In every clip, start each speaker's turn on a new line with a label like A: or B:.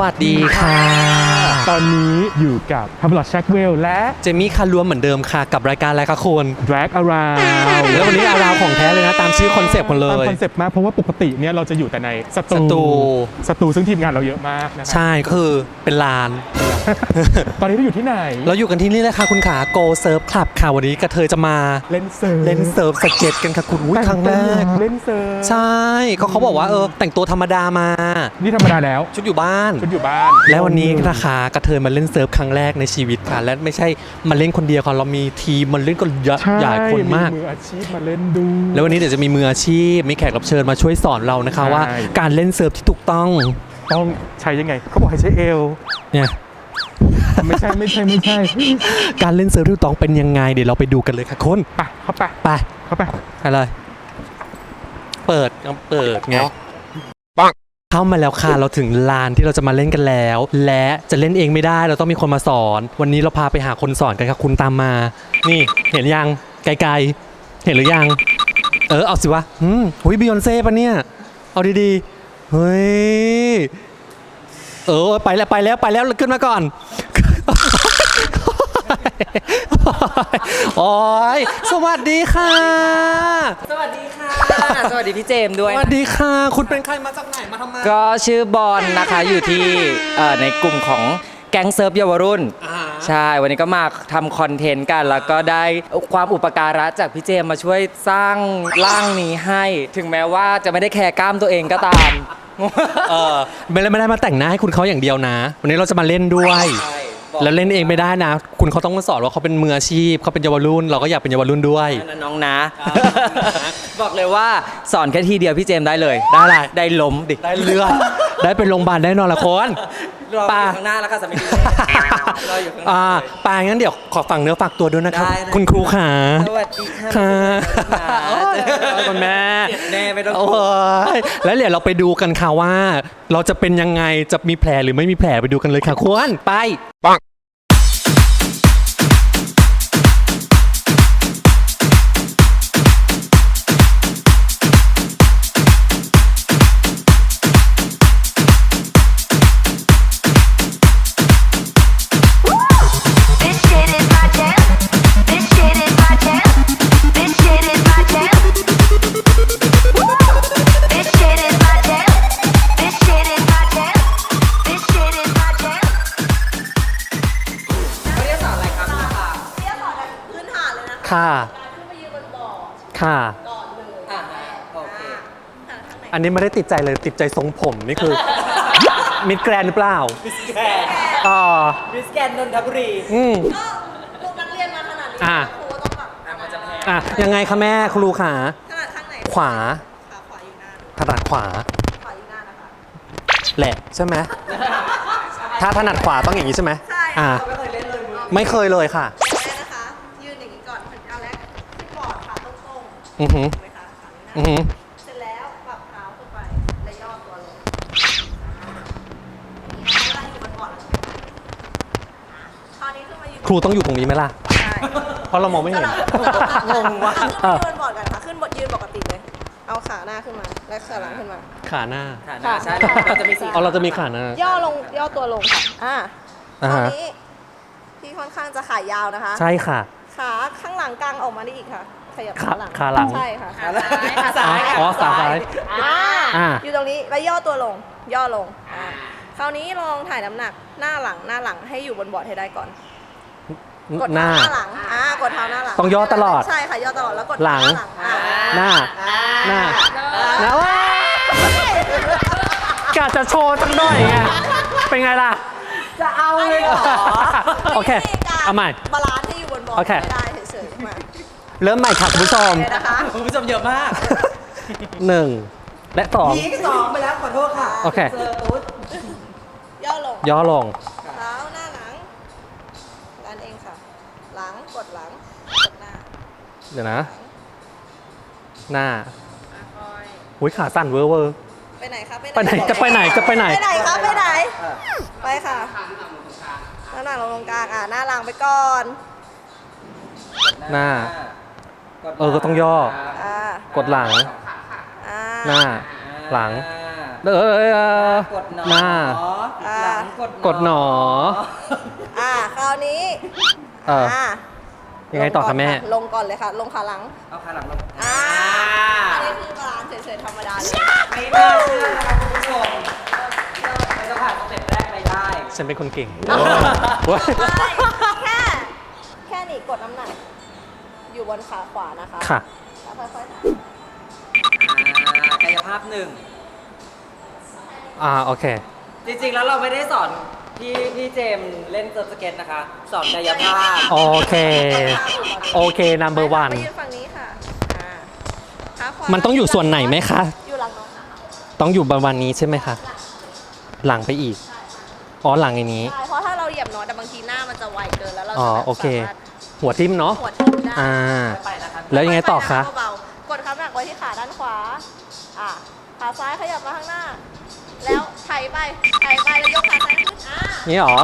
A: วัสดีค่ะ
B: ตอนนี้อยู่กับฮัมลอดแช็คเวลและ
A: เจมี่คารวมเหมือนเดิมค่ะกับรายการอะไรคะคุณ
B: Drag Around
A: แล้ววันนี้อาราวของแท้เลยนะตามชื่อคอนเซปต์คนเล
B: ตาม
A: ย
B: คอนเซปต์มากเพราะว่าปกติเนี่ยเราจะอยู่แต่ในสตูซึ่งทีมงานเราเยอะมากนะครับ
A: ใช่คือเป็นลาน
B: ตอนนี้เราอยู่ที่ไหน
A: เราอยู่กันที่นี่เลยค่ะคุณขา Go Surf Club ค่ะวันนี้กระเทยจะมา
B: เล่นเซิร์ฟ
A: เล่นเซิร์ฟสเก็ตกันค่ะคุณอุ้ยครั้งแรก
B: เล่นเซิร์ฟ
A: ใช่เขาบอกว่าแต่งตัวธรรมดามา
B: นี่ธรรมดาแล้ว
A: ชุดอยู่บ้าน แล้ววันนี้นะคะกระเทยมาเล่นเซิร์ฟครั้งแรกในชีวิตค่ะและไม่ใช่มาเล่นคนเดียวค่ะเรามีทีมมาเล่นกันเยอะใหญ่คนมาก
B: มืออาชีพมาเล่นดู
A: แล้ววันนี้เดี๋ยวจะมีมืออาชีพมีแขกรับเชิญมาช่วยสอนเรานะคะ
B: ใช่
A: ว่าการเล่นเซิร์ฟที่ถูกต้อง
B: ต้องใช้ยังไงเขาบอกให้ใช้เอว
A: เนี่ย
B: ไม่ใช่
A: การเล่นเซิร์ฟที่ถูกต้องเป็นยังไงเดี๋ยวเราไปดูกันเลยค่ะคุณ
B: ไปเข้าไป
A: ไป
B: เข้าไป
A: ไปเลยเปิดไงเข้ามาแล้วค่ะเราถึงลานที่เราจะมาเล่นกันแล้ว และจะเล่นเองไม่ได้เราต้องมีคนมาสอน วันนี้เราพาไปหาคนสอนกันค่ะคุณตามมา นี่เห็นยังไกลๆเห็นหรือยังเอาสิวะหุยบิยอนเซ่ปะเนี่ยเอาดีๆเฮ้ยไปแล้วขึ้นมาก่อน โอ้ยสวัสดีค่ะ
C: สวัสดีค่ะ สวัสดีพี่เจมส์ด้วย
A: สวัสดีค่ะคุณเป็นใครมาจากไหนมาทำไม
C: ก็ชื่อบอลนะคะอยู่ที่ในกลุ่มของแก๊งเซิร์ฟเยาวรุ่นใช่วันนี้ก็มาทำคอนเทนต์กันแล้วก็ได้ความอุปการะจากพี่เจมส์มาช่วยสร้างร่างนี้ให้ ถึงแม้ว่าจะไม่ได้แคร์กล้ามตัวเองก็ตาม
A: ไม่ได้มาแต่งหน้าให้คุณเขาอย่างเดียวนะ วันนี้เราจะมาเล่นด้วยแล้วเล่นเองไม่ได้นะ คุณเขาต้องมาสอนว่าเขาเป็นมืออาชีพเขาเป็นเยาวรุ่นเราก็อยากเป็นเยาวรุ่นด้วย
C: นั่นน้องนะ บอกเลยว่าสอนแค่ทีเดียวพี่เจมส์ได้เลย
A: ได้อะไร
C: ได้ล้มดิ
A: ได้เลือด ได้ไปโรงพยาบาลแน่นอนละคน
C: รออยู่ข้างหน้าแล้วค่ะสามีรออยู่ข้างหน้า
A: ปางั้นเดี๋ยวขอฝากเนื้อฝากตัวด้วยนะครับ
C: ได้
A: คุณครูขา
C: สวัสดีค่ะ
A: ค่ะ
C: โอ้ย
A: คุณแม่
C: เจ็บแน่ไม่ต้อง
A: โอ้ยแล้วเดี๋ยวเราไปดูกันค่ะว่า เราจะเป็นยังไงจะมีแผลหรือไม่มีแผลไปดูกันเลยค่ะคุณไปปังค่ะค่ะอันนี้ไม่ได้ติดใจเลยติดใจทรงผมนี่คือ มิดแกรนหรือเปล่า
C: มิสแกน มิสแกนนนทบุรี
D: ลูกนักเรียนมาขนาดนี้
A: อ่ะ
D: ครูต้องแบบ
C: มันจะแพ้
A: ยังไงคะแม่ครูขา
D: ขนาดข้างไหน
A: ขวา
D: ขาขวาอยู่หน้า
A: ถนัดขวา
D: ขวาอยู่หน้านะคะ
A: แหละใช่ไหมถ้าถนัดขวาต้องอย่างนี้ใช่ไหม
D: ใช่
C: ไม่เคยเล่นเลยมือ
A: ไม่เคยเลยค่ะ
D: แรกนะคะ ยืนอย่างนี้ก่อนเอาแรกขึ้นบอร์ดขาตรงๆ
A: อือหือ
D: ถูกไหมคะขาอยู่ห
A: อือ
D: น้า
A: หือ
D: เสร็จแล้วปรับเท้าขึ้นไปและย่อตัวลงอย่างนี้นะคะเวลาอยู่บนบอร์ดแล้วใช่ไหมคราวนี้ขึ้นมายืน
A: ครูต้องอยู่ตรงนี้ไหมล่ะ
D: ใช่
A: เพราะเรามองไม่เห็น
D: งงว่ะขึ้นมายืนบนบอร์ดกันค่ะขึ้นบนยืนปกติเลย เอาขาหน้าขึ้นมาและขาหลังขึ้นมา
A: ขาหน้า
C: ใช่เราจะมีสี
A: เราจะมีขาหน้า
D: ย่อลงย่อตัวลงค่ะคราว
A: ฮะ
D: นี้พี่ค่อนข้างจะขายาวนะคะ
A: ใช่ค่ะ
D: ขาข้างหลังกลางออกมาได้อีกค่ะ ขยับ
A: ขา
D: ขาหลัง
A: ขาหลัง
D: ใช่ค่ะ
C: ขาซ้าย
A: อ๋อขาซ้าย อ่า
D: อยู่ตรงนี้แล้วย่อตัวลง ย่อลงคราวนี้ลองถ่ายน้ำหนักหน้าหลังให้อยู่บนบอร์ดให้ได้ก่อน กด
A: ห
D: เท้า
A: น้า
D: หน้าหลังกดเท้าหน้าหลัง
A: ต้องย่อตลอด
D: ใช่ค่ะย่อตลอดแล้วกด
A: หลัง
D: เท้าหน้า
A: หน้า หน้าว้ากะจะโชว์สักหน่อยไงเป็นไงล่ะ
D: จะเอาเลยเหรอ
A: โอเค
D: วิธีการ
A: เอาใหม่
D: บาลานซ์ให้อยู่บนบอร์ด
A: โอเค
D: ไม่ได้เฉยๆมา
A: เริ่มใหม่ค่ะคุณผู้ชม
D: เลยนะคะ
C: คุณผู้ชมเยอะมาก
A: 1 และ 2
C: พีสองไปแล้วขอโทษค่ะ
A: โอเค
C: เซอร์ตุ๊ด
D: ย่อลง
A: ย่อลง
D: เท้าหน้าหลังดันเองค่ะ หลังกดหลังกดหน้า
A: เดี๋ยวนะ หน้า
D: คอย
A: อุ้ยขาสั่นเวอร์เวอร์
D: ไปไหนคะ
A: ไปไหนจะไปไหนจะไปไหน
D: ไปไหนคะไปไหน ไปค่ะหน้าหลังลงตรงกลางหน้าหลังไปก่อน
A: หน้า ก็ต้องย่อ
D: อ่าก
A: ดหลัง
D: อ่า
A: หน้า หลัง
D: อ
C: กดหนอ
A: หน้า
C: หลัง
A: กดหนอ
D: คราวนี้
A: เออ ยังไงต่อคะแม่
D: ลงก่อนเลยค่ะ ลงขาหลัง
C: เอาขาหลังลง
D: อันนี้คือบาลานซ์เฉยๆธรรมดาเลย
C: ไม่น่าเชื่อนะครับคุณผู้ชมเราจะผ่านสเต็ปแรกไปได้
A: ฉันเป็นคนเก่ง
D: ไม่แค่นี้กดน้ำหนัก อยู่บนขาขวานะคะ
A: ค่ะ
D: แล้วค่อยๆถ่าย
C: กายภาพหนึ่ง
A: โอเค
C: จริงๆ แล้วเราไม่ได้สอนพี่เจมส์เล่นเซิร์ฟสเก็ตนะคะ สอนกายภาพ
A: โอเค โอเค number
D: ไป
A: one
D: ยืนฝั่งนี้ค่ะขาขวา
A: มันต้องอยู่ส่วนไหนไหมคะ
D: อยู่หลังน้องนะคะ
A: ต้องอยู่ประมาณนี้ใช่ไหมคะ หลังไปอีก อ๋อ หลังอย่างนี้
D: ใช่เพราะถ้าเราเหยียบน้อยแต่บางทีหน้ามันจะไวเกินแล้วเรา
A: อ๋อ
D: จะแบบ
A: โอเค
D: สามารถ
A: หัวทิ่มเนาะ
D: หัวทิ่มได้
C: ไปนะครับ
A: แล้วยังไงต่อคะ
D: เบาๆกดขาหนักไว้ที่ขาด้านขวา ขาซ้ายขยับมาข้างหน้า แล้วไถไปแล้วยกขาซ้ายขึ้น
A: นี่หรอ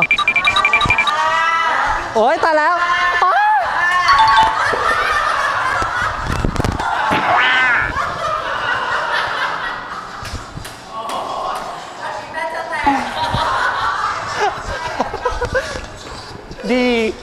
A: โอ๊ยตายแล้วอ้าวดี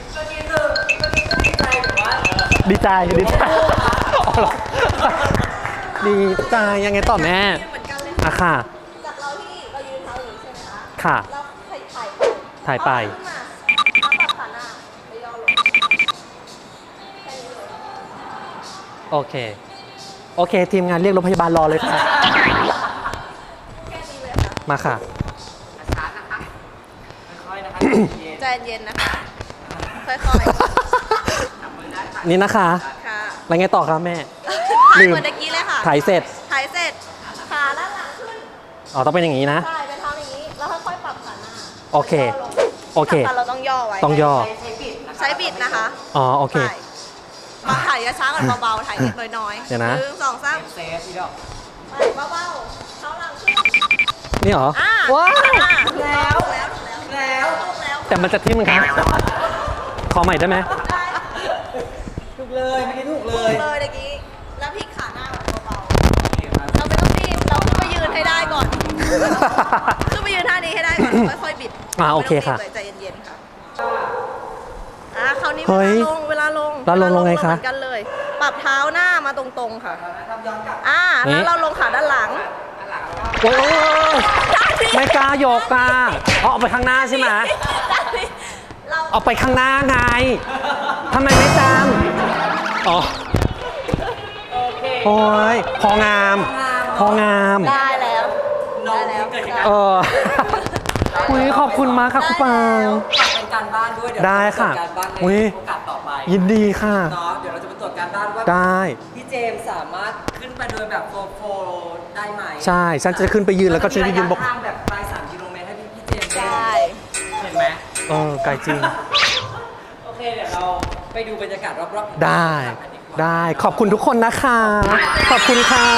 A: ดีใจ ดีใจอ๋อเหรอดีใจยังไงต่อแม่
D: เหมือนกันเลย
A: อะค่ะ
D: จากเราที่เรายืนเท้าอย่างนี้ใช่ไหมคะ
A: ค่ะ
D: เราถ่ายไป
A: ถ่ายไป
D: เอาขาขึ้นมาแล้วปรับขาหน้าไปย่อลงแค่นี้เลย
A: โอเค โอเค ทีมงานเรียกรถพยาบาลรอเลยค่ะ
D: แค่นี้เลยค่ะ
A: มาค่ะ
C: ช้าๆนะคะค่อยๆนะคะเย็น
D: ใจเย็นนะคะ ค่อย
C: จับมือได้ค่ะ
A: นี่นะคะ
D: ๆ ค่ะ
A: แล้วไงต่อครับแม่
D: ถ่า
A: ลื
D: ย
A: ม
D: เหมือนเมื่อกี้เลยค่ะ
A: ถ่ายเสร็จ
D: ถ่ายเสร็จ ขาด้านหลังขึ้น
A: อ๋อ ต้องเป็นอย่างนี้นะ
D: ใช่เป็นเท้าอย่างนี้ แล้วค่อยๆปรับขาหน้า
A: โอเค
D: ย่ลง
A: โอเค
D: สำคัญเราต้องย่อไว้
A: ต้องย่อ
D: ใช้บิดนะคะ
A: อ๋อ โอเค
D: ใช่มาถ่ายช้าๆก่อนเบาๆ ถ่ายนิดน้อยๆ
A: เดี๋ยวนะ
D: 1 2 3
C: เซฟพี่ดอก
D: ไปเบาๆเท้าหลังขึ้น
A: นี่เหรอ ว้าว
D: แล้ว
A: แต่มันจะทิ่มครับ ขอใหม่ได้ไหม
C: ถูกเลยไม่ได้ถูกเล
D: เลย ยเมื่อกี้ แล้วพลิกขาหน้าแบบเบาๆ เราไม่ต้องรีบ เราขึ้นไปยืนให้ได้ก่อน ขึ้นไปยืนท่านี้ให้ได้ก่อนแล้วค่อยๆบิด
A: โอเคค่ะ
D: ไม่ต้องรีบเลยใจเย็นๆค่ะคราวนี้
A: เฮ้
D: เวย ลาลง
A: แล้วลงไงคะ
D: เหมือนกันเลย ปรับเท้าหน้ามาตรงๆค่ะ
C: ทำย้อนกลับ
A: นี่
D: แล้วเราลงขาด้านหลัง
A: โอ้ยไม่กล้าโยกอ่ะเอาไปข้างหน้าใช่ไหม
D: เรา
A: เอาไปข้างหน้าไงทำไมไม่จำอ๋อ โอ้ย พองาม พองาม
D: ได้แล้ว
C: น้อง
D: ได้แล้ว
C: เกิด
A: เอออุ้ยขอบคุณมากค่ะคุณปาง
C: เป็นการบ้านด้วยเดี๋ยว
A: ได้ค่ะ
C: เราจตรวจการบ้านใน
A: อุ๊ย
C: โอกาสต่อไป
A: ยินดีค่ะ
C: เนาะเดี๋ยวเราจะไปตรวจการบ้านว่า
A: ได้
C: พี่เจมส์สามารถขึ้นไปโดยแบบโฟล์ได้ไหม
A: ใช่ ฉันจะขึ้นไปยืนแล้วก็ฉันจะยืนบอก
C: ทางแบบปลาย3 กิโลเมตรให้พี่เจมส์
D: ได้
C: เห็นไหม
A: ไกลจริง
C: โอเคเดี๋ยวเราไปดูบรรยากาศรอบๆ
A: ได้
C: กันดีกว่า
A: ได้ ขอบคุณทุกคนนะคะ ขอบคุณค่ะ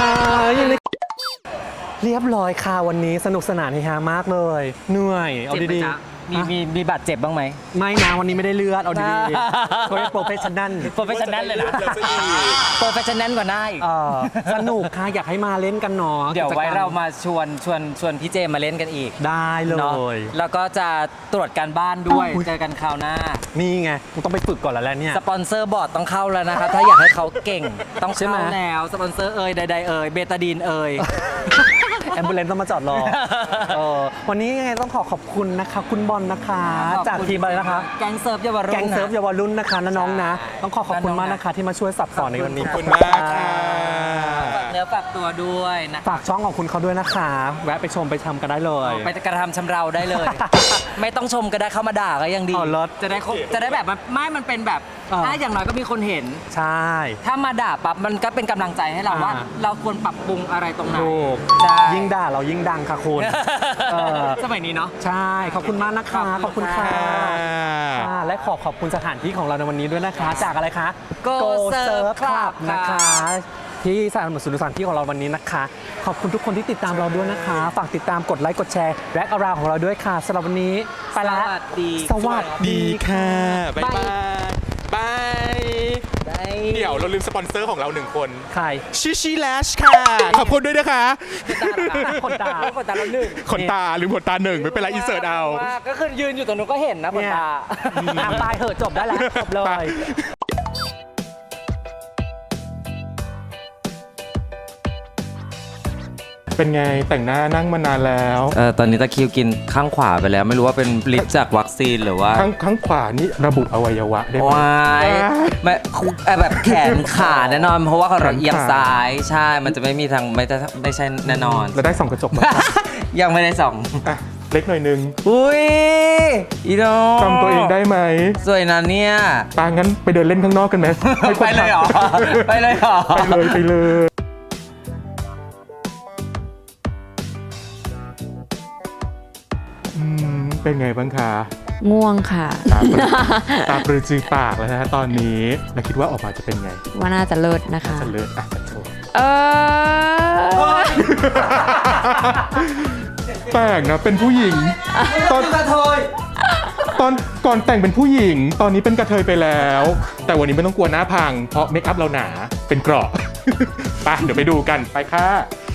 A: เรียบร้อยค่ะวันนี้สนุกสนานเฮฮามากเลย เหนื่อย เอา
C: เจ็บไหม
A: ดี
C: จ๊ะ
A: ๆ
C: มีบาดเจ็บบ้างไหม
A: ไม่นะวันนี้ไม่ได้เลือด เอาดีๆเขาเรียกโปรเฟชชั่นแนล
C: โปรเฟชชั่นแนลเลยนะโปรเฟชชั่นแนลกว่าได้อีก
A: สนุกค่ะ อยากให้มาเล่นกันเนาะ
C: เดี๋ยวไว้
A: กิจกม
C: เรามาชวนพี่เจมมาเล่นกันอีก
A: ได้เล
C: เนาะ
A: ย
C: แล้วก็จะตรวจการบ้านด้วย
A: อุ๊ย
C: เจอกันคราวหน้า
A: นี่ไงกูต้องไปฝึกก่อนแล้วแหละเนี่ย
C: สปอนเซอร์บอร์ดต้องเข้าแล้วนะครับ ถ้าอยากให้เขาเก่งต้อง
A: ใช่ไหม
C: เข้าแล้วสปอนเซอร์เอ่ยใดๆเอ่ยเบตาดีนเอ่ย
A: แอมบูเลนต้องมาจอดรอวันนี้ยังไงต้องขอบคุณนะคะ คุณบอลนะคะ จากทีมอะไรนะคะ
C: แก๊งเซิร์ฟเยาวรุ่น
A: แก๊งเซิร์ฟเยาวรุ่นนะคะนะน้องนะ ต้องขอบคุณมากนะคะ ที่มาช่วยสับสอนในวันนี้
B: ขอบคุณมากค่ะ
C: ฝากเนื้อฝากตัวด้วยนะ
A: ฝากช่องของคุณเขาด้วยนะคะ แวะไปชมไปทำกันได้เลย
C: ไปกระทำชำเราได้เลย ไม่ต้องชมก็ได้เข้ามาด่าก็ยังดี
A: อ๋อเลิศ
C: จะได้แบบมันเป็นแบบอย่างน้อยก็มีคนเห็น
A: ใช่
C: ถ้ามาด่าปั๊บมันก็เป็นกำลังใจให้เราว่า เราควรปรับปรุงอะไรตรงไหน
A: ถูก
C: ใช่
A: ยิ่งด่าเรายิ่งดังค่ะคุณ
C: สมัยนี้เนาะ
A: ใช่ ขอบคุณมากนะคะ ขอบคุณค่ะและขอบคุณสถานที่ของเราในวันนี้ด้วยนะคะ จากอะไรคะ
C: Go Surf
A: Surf
C: Club
A: นะคะ ที่สนับสนุนสถานที่ของเราวันนี้นะคะ ขอบคุณทุกคนที่ติดตามเราด้วยนะคะ ฝากติดตามกดไลค์กดแชร์แร็กอาราวของเราด้วยค่ะสำหรับวันนี้ไปละ
C: สวัสดี
A: สวัสดี
B: ดีค่ะ บ๊ายบาย บาย
C: ได้
B: ดี๋ยวเราลืมสปอนเซอร์ของเรา1 คน
A: ใคร
B: ชิแลชค่ะ ขอบคุณด้วยนะคะ
A: ขนตา
C: ขนตาแล้วหนึ่ง
B: ขนตาลืมขนตา1ไม่เป็นไรอินเสิร์ตเอา
C: ว่าก็คือยืนอยู่ตรงนู้นก็เห็นนะขน
A: เนี่ย
C: ตา
A: อ่ะตายเหอะจบได้แล้วจบเลย
B: เป็นไงแต่งหน้านั่งมานานแล้ว
C: ตอนนี้ตะคริวกินข้างขวาไปแล้ว ไม่รู้ว่าเป็นฤทธิ์จากวัคซีนหรือว่า
B: ข้างขวานี่ระบุอวัยวะได้ไหม
C: วายไม่แบบแขนขาแน่นอน เพราะว่าเราเอียงซ้าย ใช่ มันจะไม่มีทางไม่ใช่แน่นอน
B: เราได้ส่องกระจกมาครับ
C: ยังไม่ได้ส่อง
B: อ่ะเล็กหน่อยนึง
C: อุ้ยอีโด
B: จำตัวเองได้ไหม
C: สวยนะเนี่ย
B: ตางั้นไปเดินเล่นข้างนอกกันไหมให้คน
C: ไปเลยเหรอ ไปเลยเหรอ
B: ไปเลยเป็นไงบ้างคะ
E: ง่วงค่ะ
B: ตาปรือจือปากแล้วนะฮะตอนนี้แล้วคิดว่าออกมาจะเป็นไง
E: ว่าน่าจะเลิศนะคะ
B: จะเลิศอ่ะจะโชว์ แปลกนะเป็นผู้หญิง ตอนก่อนแต่งเป็นผู้หญิง ตอนนี้เป็นกระเทยไปแล้ว แต่วันนี้ไม่ต้องกลัวหน้าพัง เพราะเมคอัพเราหนาเป็นเกราะ ไปเดี๋ยวไปดูกันไปค่ะ